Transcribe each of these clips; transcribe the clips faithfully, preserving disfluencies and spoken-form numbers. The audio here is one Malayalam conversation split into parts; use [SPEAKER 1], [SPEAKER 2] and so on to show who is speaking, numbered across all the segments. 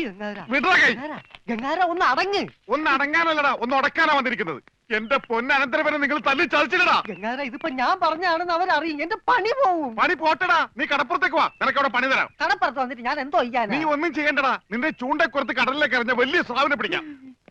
[SPEAKER 1] ഗംഗാര ഒന്ന് അടങ്ങ്.
[SPEAKER 2] ഒന്ന് അടങ്ങാനല്ലടാ, ഒന്ന് ഉടക്കാനാ വന്നിരിക്കുന്നത്. എന്റെ പൊന്നനന്തരവനെ നിങ്ങൾ തല്ലി ചതിച്ചില്ലടാ.
[SPEAKER 1] ഗംഗാര ഇതിപ്പോ ഞാൻ പറഞ്ഞാണെന്ന് അവരറിയും, എന്റെ പണി പോവും.
[SPEAKER 2] പണി പോട്ടടാ, നീ കടപ്പുറത്തേക്ക് വാ, നിനക്ക് അവിടെ പണി തരാം.
[SPEAKER 1] കടപ്പുറത്ത് വന്നിട്ട് ഞാൻ എന്തോ ചെയ്യാൻ?
[SPEAKER 2] നീ ഒന്നും ചെയ്യണ്ടടാ, നിന്റെ ചൂണ്ടക്കുറത്ത് കടലിലേക്ക് എറിഞ്ഞ വലിയ സ്രാവിനെ പിടിക്കാം.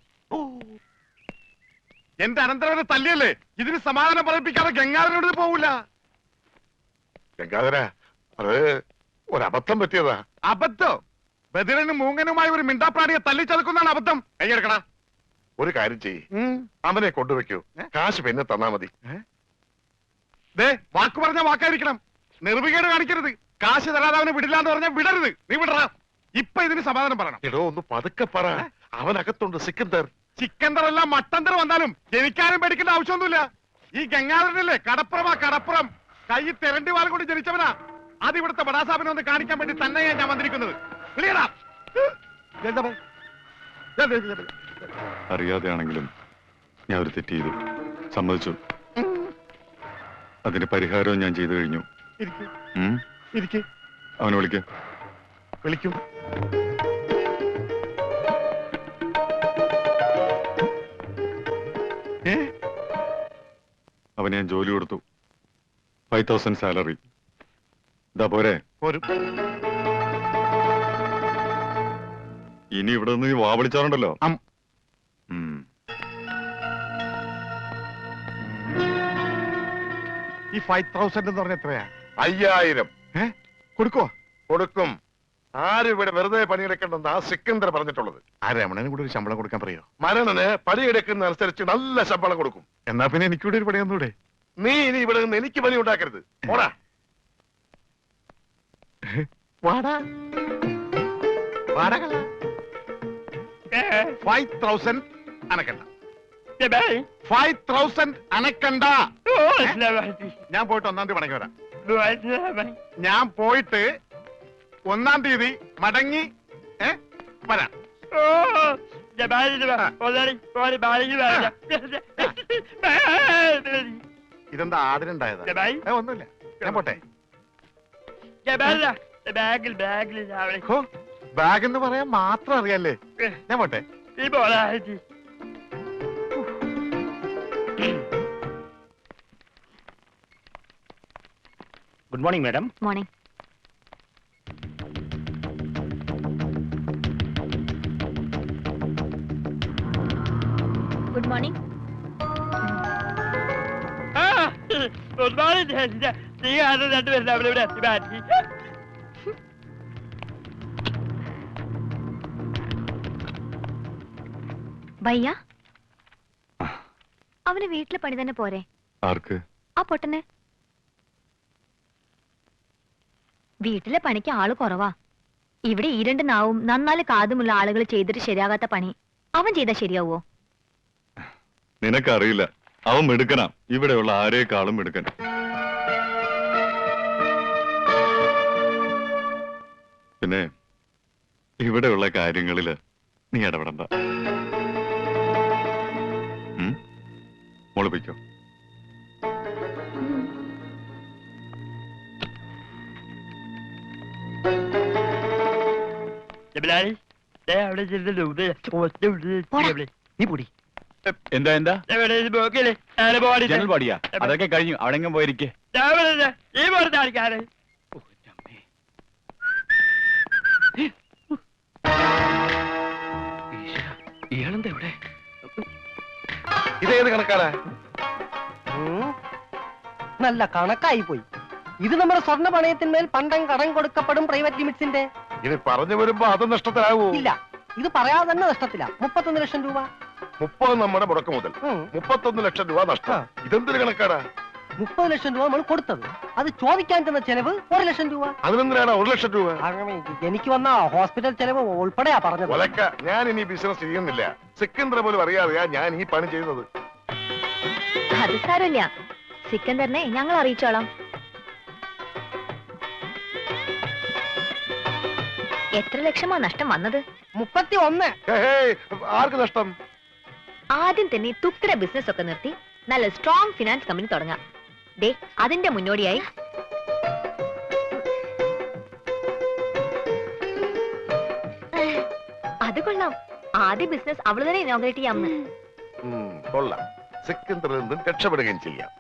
[SPEAKER 2] എന്റെ അനന്തരവനെ തല്ലിയല്ലേ, ഇതിന് സമാധാനം പറയിപ്പിക്കാതെ ഗംഗാധരനോട് പോവില്ല.
[SPEAKER 3] ഗംഗാധര, അത് ഒരബദ്ധം പറ്റിയതാ.
[SPEAKER 2] അബദ്ധം? ബദിരനും മൂങ്ങനുമായി ഒരു മിണ്ടാപ്രാണിയെ തല്ലി ചതുക്കുന്നതാണ് അബദ്ധം. കൈയെടുക്കടാ.
[SPEAKER 3] ഒരു കാര്യം ചെയ്യ്, അവനെ കൊണ്ടുവെക്കൂ, കാശ് പിന്നെ തന്നാ മതി.
[SPEAKER 2] ദേ, വാക്ക് പറഞ്ഞ വാക്കായിരിക്കണം, നിർവികേട് കാണിക്കരുത്. കാശ് തരാതെ അവനെ വിടില്ലാന്ന് പറഞ്ഞാൽ വിടരുത്. നീ വിടറാ. ഇപ്പൊ ഇതിന് സമാധാനം പറയണം.
[SPEAKER 3] എടോ, ഒന്ന് പതുക്കെ പറ. അവനകത്തുണ്ട് സിക്കന്ദർ.
[SPEAKER 2] ചിക്കന്തർ എല്ലാം മട്ടന്തർ വന്നാലും എനിക്കാരും പേടിക്കേണ്ട ആവശ്യമൊന്നുമില്ല. ഈ ഗംഗാധരനല്ലേ കടപ്പുറമാ, കടപ്പുറം. കൈ തെരണ്ടി വാൽ കൊണ്ട് ജനിച്ചവനാ. അത് ഇവിടുത്തെ ബടാസാബിനെ ഒന്ന് കാണിക്കാൻ വേണ്ടി തന്നെയാ ഞാൻ വന്നിരിക്കുന്നത്.
[SPEAKER 4] അറിയാതെയാണെങ്കിലും ഞാൻ ഒരു തെറ്റ് ചെയ്തു, സമ്മതിച്ചു. അതിന് പരിഹാരവും ഞാൻ ചെയ്തു കഴിഞ്ഞു. അവനെ വിളിക്ക.
[SPEAKER 2] വിളിക്കും.
[SPEAKER 4] അവന് ഞാൻ ജോലി കൊടുത്തു, ഫൈവ് തൗസൻഡ് സാലറി. ഇതാ പോരെ? ഇനി ഇവിടെ നിന്ന് വാ വിളിച്ചാറുണ്ടല്ലോ.
[SPEAKER 2] ഈ ഫൈവ് തൗസൻഡ് എന്ന് പറഞ്ഞ എത്രയാ?
[SPEAKER 3] അയ്യായിരം.
[SPEAKER 2] കൊടുക്കോ?
[SPEAKER 3] കൊടുക്കും. ആരും ഇവിടെ വെറുതെ പണിയെടുക്കണ്ടെന്ന് ആ സിക്കന്ദർ പറഞ്ഞിട്ടുള്ളത്.
[SPEAKER 2] ആ രമണന് കൂടെ ഒരു ശമ്പളം കൊടുക്കാൻ പറയോ?
[SPEAKER 3] മരണന് പണിയെടുക്കുന്ന അനുസരിച്ച് നല്ല ശമ്പളം കൊടുക്കും.
[SPEAKER 2] എന്നാ പിന്നെ എനിക്കൂടെ ഒരു പണി ഒന്നൂടെ?
[SPEAKER 3] നീ ഇനി ഇവിടെ നിന്ന് എനിക്ക് പണി ഉണ്ടാക്കരുത്. പോടാ.
[SPEAKER 2] വാടാ വാടക ഫൈവ് തൗസൻഡ് അനക്കണ്ട. ഫൈവ് തൗസൻഡ് അനക്കണ്ട. ഞാൻ പോയിട്ട് ഒന്നാം തീയതി മടങ്ങി വരാം. ഞാൻ പോയിട്ട് ഒന്നാം തീയതി മടങ്ങി വരാം. ഇതെന്താ ആദരണ്ടായതാ? ഒന്നുമില്ല, ഞാൻ പോട്ടെ. ബാഗ് എന്ന് പറയാൻ മാത്രം അറിയാല്ലേ? ഞാൻ പോട്ടെ.
[SPEAKER 5] Good morning madam.
[SPEAKER 6] Morning. Good morning.
[SPEAKER 5] Good morning. നീ ആണ് രണ്ടുപേരും അവിടെ ഇവിടെ എത്തി മാറ്റി.
[SPEAKER 6] ഭയ്യ, അവന് വീട്ടിലെ പണി തന്നെ പോരെ?
[SPEAKER 4] ആർക്ക്?
[SPEAKER 6] ആ പൊട്ടന്. വീട്ടിലെ പണിക്ക് ആള് കുറവാ. ഇവിടെ ഈ രണ്ട് നാവും നന്നാല് കാതുമുള്ള ആളുകൾ ചെയ്തിട്ട് ശരിയാകാത്ത പണി അവൻ ചെയ്താൽ ശരിയാവോ?
[SPEAKER 4] നിനക്കറിയില്ല, അവൻ മിടുക്കനാ. ഇവിടെയുള്ള ആരേക്കാളും മിടുക്കൻ. പിന്നെ ഇവിടെയുള്ള കാര്യങ്ങളില് നീ ഇടപെടണ്ട. മോളിപ്പിക്കോ.
[SPEAKER 5] എന്താ എന്താ ജനൽ പാടിയാ? അതൊക്കെ കഴിഞ്ഞു. അവിടെ പോയിരിക്കേ. ഇയാളെന്താ ഇവിടെ?
[SPEAKER 3] ഇതേത് കണക്കാരാ?
[SPEAKER 1] നല്ല കണക്കായി പോയി. ഇത് നമ്മുടെ സ്വർണ്ണ പണയത്തിന്മേൽ പണ്ടം കടം കൊടുക്കപ്പെടും പ്രൈവറ്റ് ലിമിറ്റ്സിന്റെ.
[SPEAKER 3] ഇത് പറഞ്ഞു വരുമ്പോ അത് നഷ്ടത്തിലാവൂ?
[SPEAKER 1] ഇല്ല, ഇത് പറയാതെ തന്നെ നഷ്ടത്തില്ല. മുപ്പത്തൊന്ന് ലക്ഷം രൂപ.
[SPEAKER 3] മുപ്പത് നമ്മുടെ മുടക്ക് മുതൽ, മുപ്പത്തൊന്ന് ലക്ഷം രൂപ നഷ്ടം. ഇതെന്തൊരു കണക്കാരാ?
[SPEAKER 1] മുപ്പത് ലക്ഷം രൂപ നമ്മൾ കൊടുത്തത്, അത് ചോദിക്കാൻ ചെന്ന ചെലവ് ഒരു ലക്ഷം രൂപ.
[SPEAKER 3] അതിനെന്തിനാണ് ഒരു ലക്ഷം രൂപ?
[SPEAKER 1] എനിക്ക് വന്ന ഹോസ്പിറ്റൽ ചെലവ് ഉൾപ്പെടെയാ പറഞ്ഞത്.
[SPEAKER 3] ഒലക്ക, ഞാൻ ഇനി ബിസിനസ് ചെയ്യുന്നില്ല. സിക്കന്ദർ പോലും അറിയാതെയാ ഞാൻ ഈ പണി ചെയ്യുന്നത്.
[SPEAKER 6] അത് സാരമില്ല, സിക്കന്ദറിനെ ഞങ്ങൾ അറിയിച്ചോളാം. എത്ര ലക്ഷമാ നഷ്ടം വന്നത്?
[SPEAKER 1] മുപ്പത്തി ഒന്ന്.
[SPEAKER 3] ആർക്ക് നഷ്ടം?
[SPEAKER 6] ആദ്യം തന്നെ തുക്തര ബിസിനസ് ഒക്കെ നിർത്തി നല്ല സ്ട്രോങ് ഫിനാൻസ് കമ്പനി തുടങ്ങാം. ദേ, അതിന്റെ മുന്നോടിയായി അത് കൊള്ളാം. ആദ്യ ബിസിനസ് അവള് തന്നെ ഇനോഗ്രേറ്റ് ചെയ്യാമെന്ന്.
[SPEAKER 3] ഉം, കൊള്ളാം. സിക്കന്ദറിൽ നിന്നും രക്ഷപ്പെടുകയും ചെയ്യാം.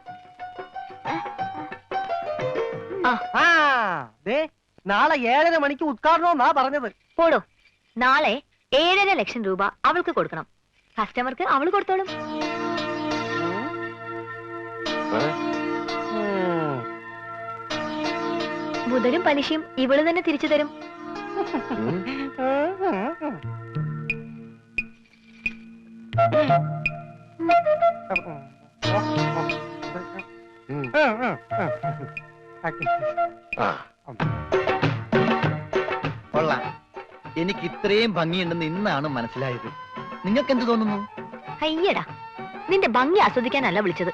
[SPEAKER 1] ആ ദേ നാളെ ഏഴര മണിക്ക് ഉദ്ഘാടനമെന്നാ പറഞ്ഞത്.
[SPEAKER 6] പോടോ. നാളെ ഏഴര ലക്ഷം രൂപ അവൾക്ക് കൊടുക്കണം. കസ്റ്റമർക്ക് അവള് കൊടുത്തോളും.
[SPEAKER 3] ഏ?
[SPEAKER 1] ഉം.
[SPEAKER 6] മുതലും പലിശയും ഇവള് തന്നെ തിരിച്ചു തരും.
[SPEAKER 3] ഉം. ഉം. ആ.
[SPEAKER 7] കൊള്ളാം. എനിക്ക് ഇത്രയും ഭംഗിയുണ്ടെന്ന് ഇന്നാണ് മനസ്സിലായത്. നിങ്ങൾക്ക് എന്ത് തോന്നുന്നു?
[SPEAKER 6] അയ്യടാ, നിന്റെ ഭംഗി ആസ്വദിക്കാനല്ല വിളിച്ചത്.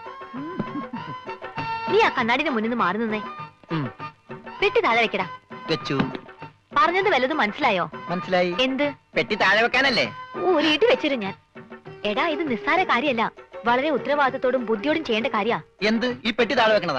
[SPEAKER 6] നീ ആ കണ്ണാടിന്റെ മുന്നിൽ നിന്ന് മാറി നിന്നേ.
[SPEAKER 7] ഉം.
[SPEAKER 6] പെട്ടി താഴെ വെക്കടാ.
[SPEAKER 7] വെച്ചു.
[SPEAKER 6] പറഞ്ഞത് വല്ലതും മനസ്സിലായോ?
[SPEAKER 7] മനസ്സിലായി.
[SPEAKER 6] എന്ത്?
[SPEAKER 7] പെട്ടി താഴെ വെക്കാനല്ലേ?
[SPEAKER 6] ഒരു ഇടി വെച്ചിരും ഞാൻ. എടാ, ഇത് നിസ്സാര കാര്യമല്ല, വളരെ ഉത്തരവാദിത്തത്തോടും ബുദ്ധിയോടും ചെയ്യേണ്ട കാര്യാ.
[SPEAKER 7] എന്ത്? ഈ പെട്ടി താഴെ വെക്കണതാ?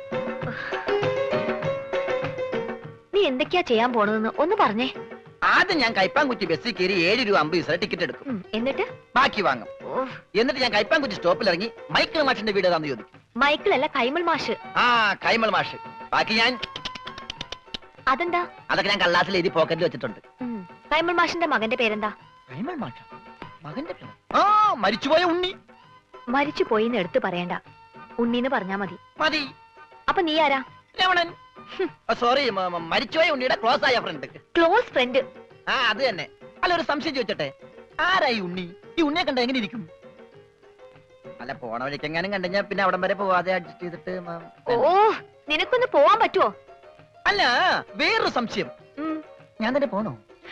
[SPEAKER 6] നീ എന്തൊക്കെയാ ചെയ്യാൻ പോണതെന്ന് ഒന്ന് പറഞ്ഞേ.
[SPEAKER 7] ആദ്യം ഞാൻ കൈപ്പാങ്കുറ്റി ബസ്സിൽ കയറി ഏഴ് രൂപ അമ്പത് പൈസ ടിക്കറ്റ് എടുക്കും.
[SPEAKER 6] ഉം, എന്നിട്ട്
[SPEAKER 7] ബാക്കി വാങ്ങും. എന്നിട്ട് ഞാൻ കൈപ്പാങ്കുറ്റി സ്റ്റോപ്പിൽ ഇറങ്ങി മൈക്കിൾ മാഷിന്റെ വീട് ഏതാന്ന് ചോദിക്കും.
[SPEAKER 6] മൈക്കിളല്ല, കൈമൾ മാഷ്.
[SPEAKER 7] ആ, കൈമൾ മാഷ്. ബാക്കി ഞാൻ
[SPEAKER 6] അതെന്താ?
[SPEAKER 7] അതൊക്കെ ഞാൻ കള്ളാസിൽ എഴുതി പോക്കറ്റിൽ വെച്ചിട്ടുണ്ട്.
[SPEAKER 6] ഉം, കൈമൾ മാഷിന്റെ മകന്റെ പേരെന്താ?
[SPEAKER 7] കൈമൾ മാഷ മകന്റെ പേര്? ആ, മരിച്ചുപോയ ഉണ്ണി.
[SPEAKER 6] മരിച്ചു പോയിന്ന് എടുത്തു പറയണ്ട, ഉണ്ണീന്ന് പറഞ്ഞാ മതി.
[SPEAKER 7] മതി.
[SPEAKER 6] അപ്പൊ നീ ആരാ?
[SPEAKER 7] രമണൻ. സോറി, മരിച്ചുപോയ ഉണ്ണിയുടെ ക്ലോസ് ആയ ഫ്രണ്ട്.
[SPEAKER 6] Close friend.
[SPEAKER 7] ആ, അത് തന്നെ. അല്ല, ഒരു സംശയം ചോദിച്ചോട്ടെ, ആരായി ഉണ്ണി? ഈ ഉണ്ണിയെ കണ്ട എങ്ങനെ ഇരിക്കും? അല്ല, പോണ വഴിക്ക് എങ്ങാനും കണ്ടുകഴിഞ്ഞാ പിന്നെ അവിടം വരെ പോവാതെ അഡ്ജസ്റ്റ് ചെയ്തിട്ട് മ-
[SPEAKER 6] ഓ, നിനക്കൊന്ന് പോവാൻ പറ്റുവോ?
[SPEAKER 7] അല്ല, വേറൊരു സംശയം.
[SPEAKER 6] ഉം,
[SPEAKER 7] ഞാൻ തന്നെ പോണോ?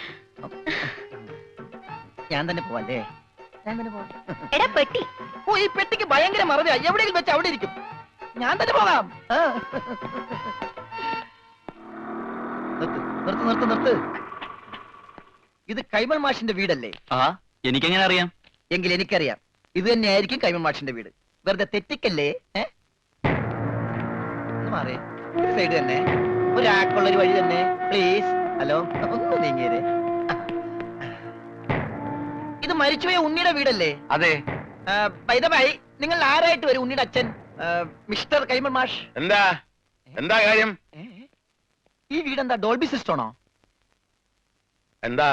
[SPEAKER 7] ഞാൻ തന്നെ പോവാല്ലേ? ഞാൻ തന്നെ പോവാം.
[SPEAKER 6] എടാ പെട്ടി.
[SPEAKER 7] ഓ, ഈ പെട്ടിക്ക് ഭയങ്കര മറവിയാ. എവിടെയെങ്കിലും വെച്ച് അവിടെ ഇരിക്കും. ഞാൻ തന്നെ പോകാം. ആ. നിർത്ത് നിർത്ത് നിർത്ത് നിർത്ത്. ഇത് കൈമൾ മാഷിന്റെ വീടല്ലേ?
[SPEAKER 5] ആ, എനിക്കെങ്ങനെ അറിയാം?
[SPEAKER 7] എങ്കിൽ എനിക്കറിയാം, ഇത് തന്നെയായിരിക്കും കൈമൾ മാഷിന്റെ വീട്. വെറുതെ തെറ്റിക്കല്ലേ? ഏ? ഒന്ന് മാറേ. സൈഡ് തന്നെ ഒരാൾക്കുള്ള ഒരു വഴി തന്നെ, പ്ലീസ്. ഹലോ, ഒന്ന് നീങ്ങിയേ. ഇത് മരിച്ചുപോയ ഉണ്ണിയുടെ വീടല്ലേ?
[SPEAKER 5] അതെ.
[SPEAKER 7] ബൈ, നിങ്ങൾ ആരായിട്ട് വരും? ഉണ്ണിയുടെ അച്ഛൻ മിസ്റ്റർ കൈമൾ മാഷ്.
[SPEAKER 5] എന്താ എന്താ കാര്യം?
[SPEAKER 7] ഏ? ഈ വീടെന്താ ഡോൾബി സിസ്റ്റമാണോ?
[SPEAKER 5] എന്താ?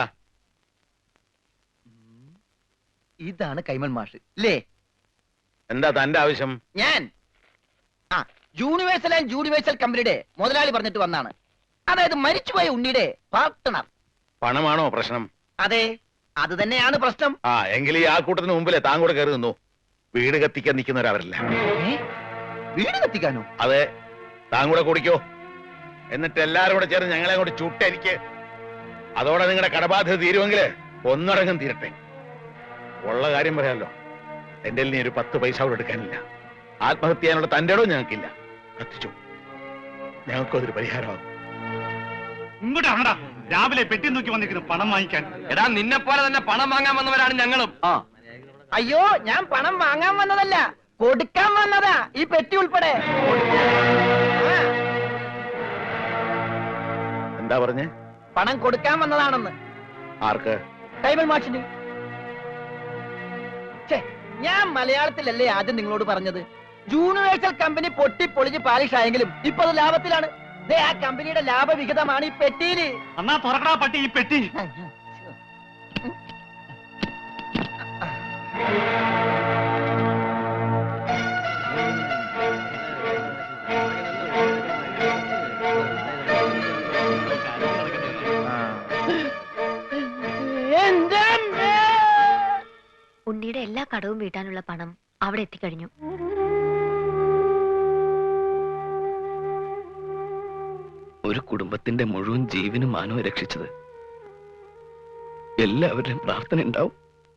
[SPEAKER 7] ഇതാണ് കൈമൾ മാഷ് അല്ലേ?
[SPEAKER 5] എന്താ തന്റെ ആവശ്യം?
[SPEAKER 7] ഞാൻ ആ യൂണിവേഴ്സൽ ആൻഡ് യൂണിവേഴ്സൽ കമ്പനിയുടെ മുതലാളി പറഞ്ഞിട്ട് വന്നാണ്. അതായത് മരിച്ചുപോയ ഉണ്ണിയുടെ പാർട്ട്ണർ.
[SPEAKER 5] പണമാണോ പ്രശ്നം?
[SPEAKER 7] അതെ, അത് തന്നെയാണ് പ്രശ്നം.
[SPEAKER 5] ആ, എങ്കിൽ ഈ ആൾക്കൂട്ടത്തിന് മുമ്പിലെ താൻ കൂടെ കയറി നിന്നു. വീട് കത്തിക്കാൻ നിൽക്കുന്നവരവരല്ല.
[SPEAKER 7] ഏ? വീട് കത്തിക്കാനോ?
[SPEAKER 5] അതെ, താൻ കൂടെ കുടിക്കോ. എന്നിട്ട് എല്ലാരും കൂടെ ചേർന്ന് ഞങ്ങളെ കൂടെ ചുട്ടരിക്ക്. അതോടെ നിങ്ങളുടെ കടബാധ്യത തീരുമെങ്കിൽ ഒന്നടങ്കം തീരട്ടെ. ഉള്ള കാര്യം പറയാമല്ലോ, എന്റെ നീ ഒരു പത്ത് പൈസ കൂടെ എടുക്കാനില്ല. ആത്മഹത്യ ചെയ്യാനുള്ള തന്റെ ഇടവും ഞങ്ങൾക്കില്ല. കത്തിച്ചു, ഞങ്ങൾക്കും അതൊരു പരിഹാരമാകും.
[SPEAKER 2] ഇങ്ങോട്ടാണടാ രാവിലെ പെട്ടി നോക്കി വന്നിരിക്കുന്നു പണം വാങ്ങിക്കാൻ.
[SPEAKER 5] എടാ, നിന്നെ പോലെ തന്നെ പണം വാങ്ങാൻ വന്നവരാണ് ഞങ്ങളും.
[SPEAKER 7] ആ, അയ്യോ, ഞാൻ പണം വാങ്ങാൻ വന്നതല്ല, കൊടുക്കാൻ വന്നതാ, ഈ പെട്ടി ഉൾപ്പെടെ. ആ,
[SPEAKER 5] എന്താ പറഞ്ഞേ?
[SPEAKER 7] പണം കൊടുക്കാൻ വന്നതാണെന്ന്.
[SPEAKER 5] ആർക്ക്?
[SPEAKER 7] കൈമൾ മാഷിന്. ഛെ, ഞാൻ മലയാളത്തിലല്ലേ ആദ്യം നിങ്ങളോട് പറഞ്ഞത്? യൂണിവേഴ്സൽ കമ്പനി പൊട്ടി പൊളിഞ്ഞ് പാലിഷ് ആയെങ്കിലും ഇപ്പൊ അത് ലാഭത്തിലാണ്. ദേ, ആ കമ്പനിയുടെ ലാഭവിഹിതമാണ് ഈ പെട്ടിയില്.
[SPEAKER 2] അന്നാ തുറക്കടാ പട്ടി ഈ പെട്ടി.
[SPEAKER 6] ഉണ്ണിയുടെ എല്ലാ കടവും വീട്ടാനുള്ള പണം അവിടെ എത്തിക്കഴിഞ്ഞു.
[SPEAKER 8] ഒരു കുടുംബത്തിന്റെ മുഴുവൻ ജീവനും മാനവും രക്ഷിച്ചത് എല്ലാവരുടെയും പ്രാർത്ഥന ഉണ്ടാവും.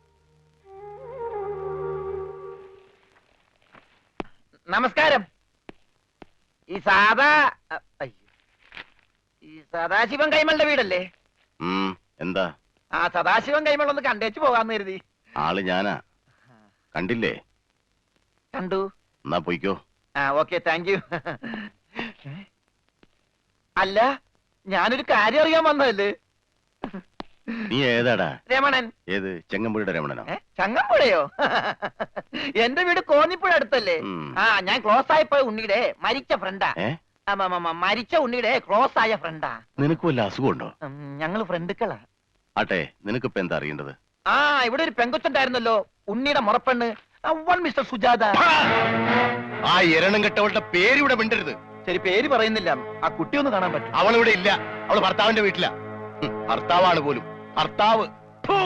[SPEAKER 7] നമസ്കാരം. ഈ സാദാ അയ്യോ, ഈ സദാശിവൻ കൈമളുടെ വീടല്ലേ?
[SPEAKER 3] എന്താ?
[SPEAKER 7] ആ, സദാശിവൻ കൈമൾ ഒന്ന് കണ്ടേച്ചു പോകാന്ന് കരുതി.
[SPEAKER 3] ആള് ഞാനാ. കണ്ടില്ലേ?
[SPEAKER 7] കണ്ടു.
[SPEAKER 3] എന്നാ പോയിക്കോ.
[SPEAKER 7] ആ, ഓക്കെ, താങ്ക് യു. അല്ല, ഞാനൊരു കാര്യം അറിയാൻ വന്നതല്ലേ.
[SPEAKER 3] നീ ഏതാടാ?
[SPEAKER 7] രമണൻ.
[SPEAKER 3] ഏത് ചെങ്ങമ്പുഴയുടെ രമണനോ?
[SPEAKER 7] ഏ? ചങ്ങമ്പുഴയോ? എന്റെ വീട് കോന്നിപ്പുഴ അടുത്തല്ലേ?
[SPEAKER 3] ഉം.
[SPEAKER 7] ആ ഞാൻ ക്ലോസ് ആയപ്പോ ഉണ്ണിയുടെ മരിച്ച ഫ്രണ്ടാ.
[SPEAKER 3] ഏ?
[SPEAKER 7] മരിച്ച ഉണ്ണിയുടെ ക്ലോസ് ആയ ഫ്രണ്ടാ.
[SPEAKER 3] നിനക്ക് വല്ല അസുഖമുണ്ടോ?
[SPEAKER 7] ഞങ്ങള് ഫ്രണ്ടുക്കളാ.
[SPEAKER 3] ആട്ടെ, നിനക്കിപ്പോ എന്താ അറിയേണ്ടത്?
[SPEAKER 7] ആ ഇവിടെ ഒരു പെങ്കൊച്ചുണ്ടായിരുന്നല്ലോ, ഉണ്ണിയുടെ മുറപ്പെണ്ണ്, അവൾ മിസ്റ്റർ സുജാത.
[SPEAKER 3] ആ എരണം കെട്ടവളുടെ പേര് ഇവിടെ മിണ്ടരുത്.
[SPEAKER 7] ശരി, പേര് പറയുന്നില്ല. ആ കുട്ടി ഒന്ന് കാണാൻ പറ്റും?
[SPEAKER 3] അവളിവിടെ ഇല്ല. അവള് ഭർത്താവിന്റെ വീട്ടിലാ. ഉം, ഭർത്താവാണ് പോലും. ഭർത്താവ്. ഫു.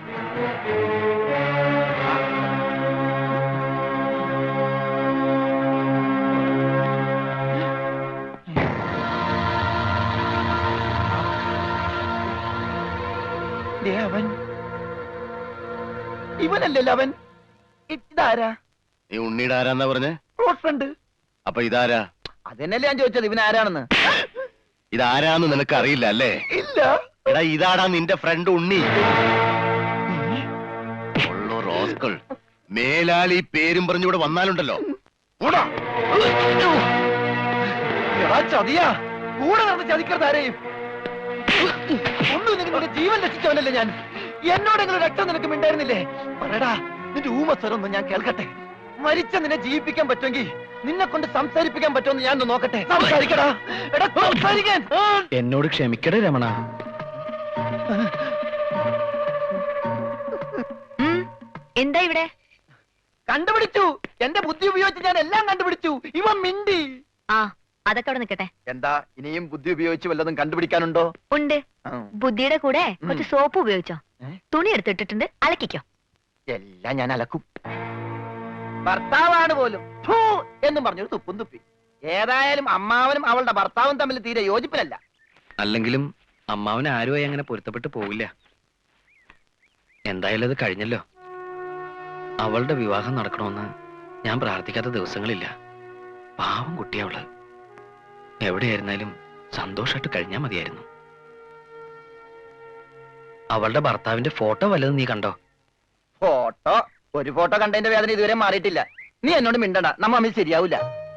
[SPEAKER 7] ദേ അവൻ. ഇവനല്ലല്ലോ അവൻ. ഇതാരാ?
[SPEAKER 3] നീ ഉണ്ണിയുടെ ആരാന്നാ പറഞ്ഞേ?
[SPEAKER 7] Close friend.
[SPEAKER 3] അപ്പൊ ഇതാരാ?
[SPEAKER 7] അതെന്നല്ലേ ഞാൻ ചോദിച്ചത്, ഇവൻ ആരാണെന്ന്.
[SPEAKER 3] ഇതാരാന്ന് നിനക്ക് അറിയില്ല അല്ലേ?
[SPEAKER 7] ഇല്ല.
[SPEAKER 3] എടാ, ഇതാടാ നിന്റെ ഫ്രണ്ട് ഉണ്ണി. ഉള്ളോ റോസ്കൾ. മേലാൽ ഈ പേരും പറഞ്ഞിവിടെ വന്നാലുണ്ടല്ലോ. ഓടാ.
[SPEAKER 7] എടാ ചതിയാ, കൂടെ നടന്ന് ചതിക്കരുത് ആരെയും. ഒന്നും നിങ്ങളുടെ ജീവൻ രക്ഷിച്ചവനല്ലേ ഞാൻ. എന്നോടെങ്കിലും രക്തം നിനക്ക് മിണ്ടായിരുന്നില്ലേ? പറയടാ, നിന്റെ ഊമസ്വരൊന്നും ഞാൻ കേൾക്കട്ടെ. മരിച്ച നിന്നെ ജീവിപ്പിക്കാൻ പറ്റുമെങ്കിൽ നിന്നെ കൊണ്ട് സംസാരിപ്പിക്കാൻ പറ്റുമെന്ന് ഞാൻ നോക്കട്ടെ. സംസാരിക്കടാ. എടാ സംസാരിക്കാൻ.
[SPEAKER 8] എന്നോട് ക്ഷമിക്കടേ രമണ.
[SPEAKER 6] ഉം, എന്താ ഇവിടെ?
[SPEAKER 7] കണ്ടുപിടിച്ചു. എന്റെ ബുദ്ധി ഉപയോഗിച്ച് ഞാൻ എല്ലാം കണ്ടുപിടിച്ചു. ഇവൻ മിണ്ടി.
[SPEAKER 6] ആ അതൊക്കെ അവിടെ നിൽക്കട്ടെ.
[SPEAKER 7] എന്താ ഇനിയും ബുദ്ധി ഉപയോഗിച്ച് വല്ലതും കണ്ടുപിടിക്കാനുണ്ടോ?
[SPEAKER 6] ഉണ്ട്. ബുദ്ധിയുടെ കൂടെ കുറച്ച് സോപ്പ് ഉപയോഗിച്ചോ.
[SPEAKER 7] ഏ?
[SPEAKER 6] തുണി എടുത്തിട്ടിട്ടുണ്ട്, അലക്കിക്കോ.
[SPEAKER 7] എല്ലാം ഞാൻ അലക്കും. ഭർത്താവാണ് പോലും ഫൂ എന്നും പറഞ്ഞൊരു തുപ്പും തുപ്പി. ഏതായാലും അമ്മാവനും അവളുടെ ഭർത്താവും തമ്മിൽ തീരെ യോജിപ്പിലല്ല.
[SPEAKER 8] അല്ലെങ്കിലും അമ്മാവൻ ആരുമായി അങ്ങനെ പൊരുത്തപ്പെട്ട് പോവില്ല. എന്തായാലും അത് കഴിഞ്ഞല്ലോ. അവളുടെ വിവാഹം നടക്കണമെന്ന് ഞാൻ പ്രാർത്ഥിക്കാത്ത ദിവസങ്ങളില്ല. പാവം കുട്ടിയവള്. എവിടെയായിരുന്നാലും സന്തോഷമായിട്ട് കഴിഞ്ഞാൽ മതിയായിരുന്നു. അവളുടെ ഭർത്താവിന്റെ ഫോട്ടോ വല്ലതും നീ കണ്ടോ?
[SPEAKER 7] ഫോട്ടോ? ഒരു ഫോട്ടോ കണ്ടതിന്റെ വേദന ഇതുവരെ മാറിയിട്ടില്ല. നീ എന്നോട് മിണ്ടണ്ട, നമ്മ തമ്മിൽ ശരിയാവൂല.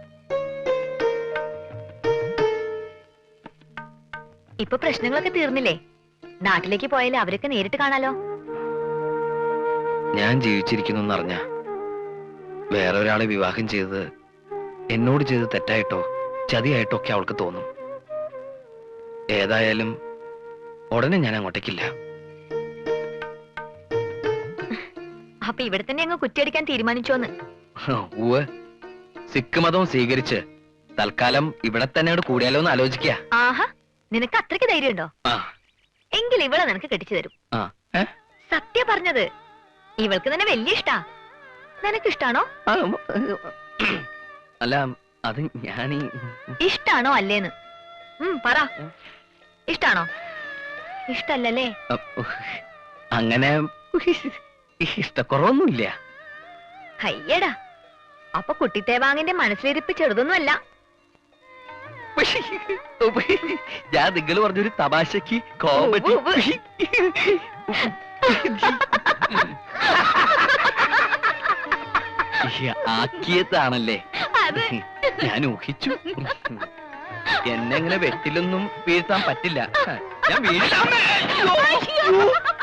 [SPEAKER 6] ഇപ്പൊ പ്രശ്നങ്ങളൊക്കെ തീർന്നില്ലേ? നാട്ടിലേക്ക് പോയാലേ അവരൊക്കെ നേരിട്ട് കാണാലോ.
[SPEAKER 8] ഞാൻ ജീവിച്ചിരിക്കുന്നു എന്നറിഞ്ഞ വേറെ ഒരാളെ വിവാഹം ചെയ്തത് എന്നോട് ചെയ്ത് തെറ്റായിട്ടോ ചതിയായിട്ടോ ഒക്കെ അവൾക്ക് തോന്നും. ഏതായാലും ഉടനെ ഞാൻ അങ്ങോട്ടേക്കില്ല.
[SPEAKER 6] അപ്പൊ ഇവിടെ തന്നെ അങ്ങ് കുറ്റിയടിക്കാൻ തീരുമാനിച്ചോന്ന്?
[SPEAKER 8] ഊവ്, സിഖ് മതവും സ്വീകരിച്ച് തൽക്കാലം ഇവിടെ തന്നെ കൂടിയാലോ എന്ന് ആലോചിക്ക.
[SPEAKER 6] ആഹാ, നിനക്ക് അത്രയ്ക്ക് ധൈര്യമുണ്ടോ? എങ്കിൽ ഇവളെ നിനക്ക് കെട്ടിച്ചു തരും. സത്യ പറഞ്ഞത്. ഇവൾക്ക് തന്നെ വലിയ ഇഷ്ടാ. നിനക്കിഷ്ടാണോ?
[SPEAKER 8] അല്ല, അത് ഞാനീ
[SPEAKER 6] ഇഷ്ടാണോ അല്ലേന്ന് ഉം പറ. ഇഷ്ടാണോ? ഇഷ്ടല്ലേ?
[SPEAKER 8] അങ്ങനെ ഇഷ്ടക്കുറവൊന്നുമില്ല.
[SPEAKER 6] അയ്യടാ, അപ്പൊ കുട്ടിത്തേവാങ്ങിന്റെ മനസ്സിലിരിപ്പ് ചെറുതൊന്നുമല്ല.
[SPEAKER 8] ഞാൻ നിങ്ങൾ പറഞ്ഞൊരു തമാശക്ക് കോമഡി ആക്കിയതാണല്ലേ ഞാൻ ഊഹിച്ചു. എന്നെ ഇങ്ങനെ വെട്ടിലൊന്നും വീഴ്ത്താൻ പറ്റില്ല. ഞാൻ വീഴ്ത്താൻ